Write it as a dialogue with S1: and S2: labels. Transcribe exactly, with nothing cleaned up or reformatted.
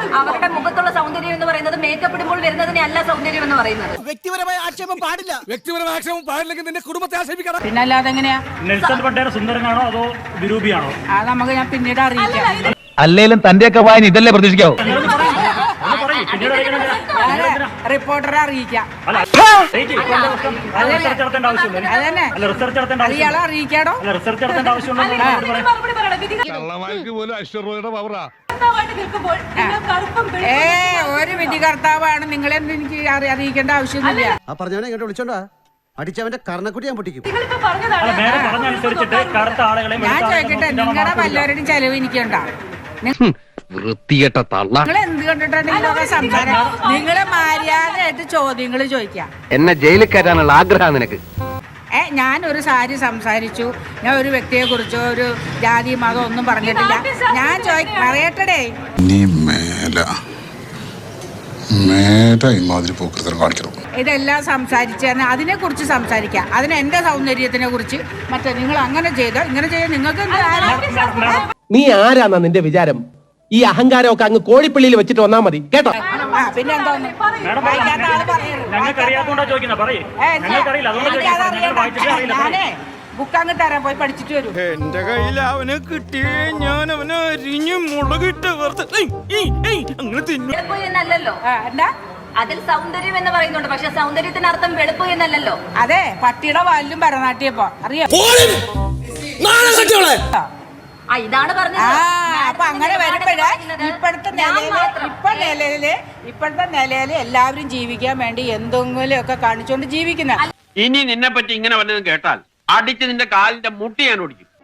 S1: അവരുടെ മുഖത്തുള്ള സൗന്ദര്യം എന്ന് പറയുന്നത് മേക്കപ്പ് ഇടുമ്പോൾ വരുന്നതിനെ അല്ല സൗന്ദര്യം എന്ന് പറയുന്നത്.
S2: വ്യക്തിപരമായ ആക്ഷേപം പാടില്ല. വ്യക്തിപരമായ ആക്ഷേപം പാടില്ലെങ്കിൽ നിന്റെ കുടുംബത്തെ ആക്ഷേപിക്കണം.
S3: പിന്നെ അല്ലാതെ എങ്ങനെയാ?
S4: നെൽസൺ മണ്ടേല സുന്ദരനാണോ അതോ വിരൂപിയാണോ?
S3: അത് നമുക്ക് ഞാൻ പിന്നീട് അറിയിക്കാം.
S5: അല്ലേലും തന്റെയൊക്കെ വായന ഇതല്ലേ പ്രതീക്ഷിക്കാവൂ.
S3: റിപ്പോർട്ടറെ അറിയിക്കാം. ഇയാളെ അറിയിക്കാടോ. ഏ ഒരു വിധികർത്താവാണ് നിങ്ങളെന്ന് എനിക്ക് അറിയിക്കേണ്ട ആവശ്യമൊന്നുമില്ല.
S2: ആ പറഞ്ഞവനെ ഇങ്ങോട്ട് വിളിച്ചോണ്ടാ അടിച്ചവന്റെ കർണക്കുട്ടി ഞാൻ പൊട്ടിക്കും.
S3: ഞാൻ ചോദിക്കട്ടെ, നിങ്ങളുടെ വല്ലവരുടെയും ചെലവ് എനിക്കുണ്ടോ?
S5: വൃത്തികെട്ട തള്ള.
S3: നിങ്ങൾ എന്ത് കണ്ടിട്ടാണ് നിങ്ങളൊക്കെ സംസാരം? നിങ്ങളെ മര്യാദയായിട്ട് ചോദ്യങ്ങൾ ചോദിക്കാം.
S5: എന്നെ ജയിലിൽ കയറ്റാനുള്ള ആഗ്രഹം നിനക്ക്?
S3: ഏ ഞാൻ ഒരു സാരി സംസാരിച്ചു, ഞാൻ ഒരു വ്യക്തിയെ കുറിച്ചോ ഒരു ജാതി മതം ഒന്നും പറഞ്ഞിട്ടില്ല. ഞാൻ ചോദി പറയട്ടെ, ഇതെല്ലാം സംസാരിച്ച് അതിനെ കുറിച്ച് സംസാരിക്കാം. അതിന് എന്റെ സൗന്ദര്യത്തിനെ കുറിച്ച് മറ്റേ നിങ്ങൾ അങ്ങനെ ചെയ്തോ ഇങ്ങനെ ചെയ്തോ നിങ്ങൾക്ക്
S6: നീ ആരാന്നാ നിന്റെ വിചാരം? ഈ അഹങ്കാരമൊക്കെ അങ്ങ് കോഴിപ്പള്ളിയിൽ വെച്ചിട്ട് വന്നാ മതി കേട്ടോ.
S3: പിന്നെ എന്താ ബുക്ക് അങ്ങ് തരാൻ പോയി പഠിച്ചിട്ട് വരും.
S2: എന്റെ കയ്യിൽ അവനെ കിട്ടിയേ ഞാൻ അവനെ അരിഞ്ഞു മുളകിട്ട് അങ്ങനെ തിന്നു.
S3: എന്താ
S1: അതിൽ സൗന്ദര്യം എന്ന് പറയുന്നുണ്ട്, പക്ഷെ സൗന്ദര്യത്തിന് അർത്ഥം വെളുപ്പ് എന്നല്ലല്ലോ.
S3: അതെ, പട്ടിയുടെ വാലിലും ഭരതനാട്യപ്പോ അറിയാം.
S1: ഇതാണ് പറഞ്ഞത്.
S3: അപ്പൊ അങ്ങനെ വരുമ്പോഴേ ഇപ്പോഴത്തെ നിലയില് ഇപ്പൊ നിലയില് ഇപ്പോഴത്തെ നിലയില് എല്ലാവരും ജീവിക്കാൻ വേണ്ടി എന്തെങ്കിലും ഒക്കെ കാണിച്ചുകൊണ്ട് ജീവിക്കുന്ന.
S7: ഇനി നിന്നെ പറ്റി ഇങ്ങനെ വല്ലതും കേട്ടാൽ അടിച്ച് നിന്റെ കാലിന്റെ മുട്ടി ഞാൻ ഓടിക്കും.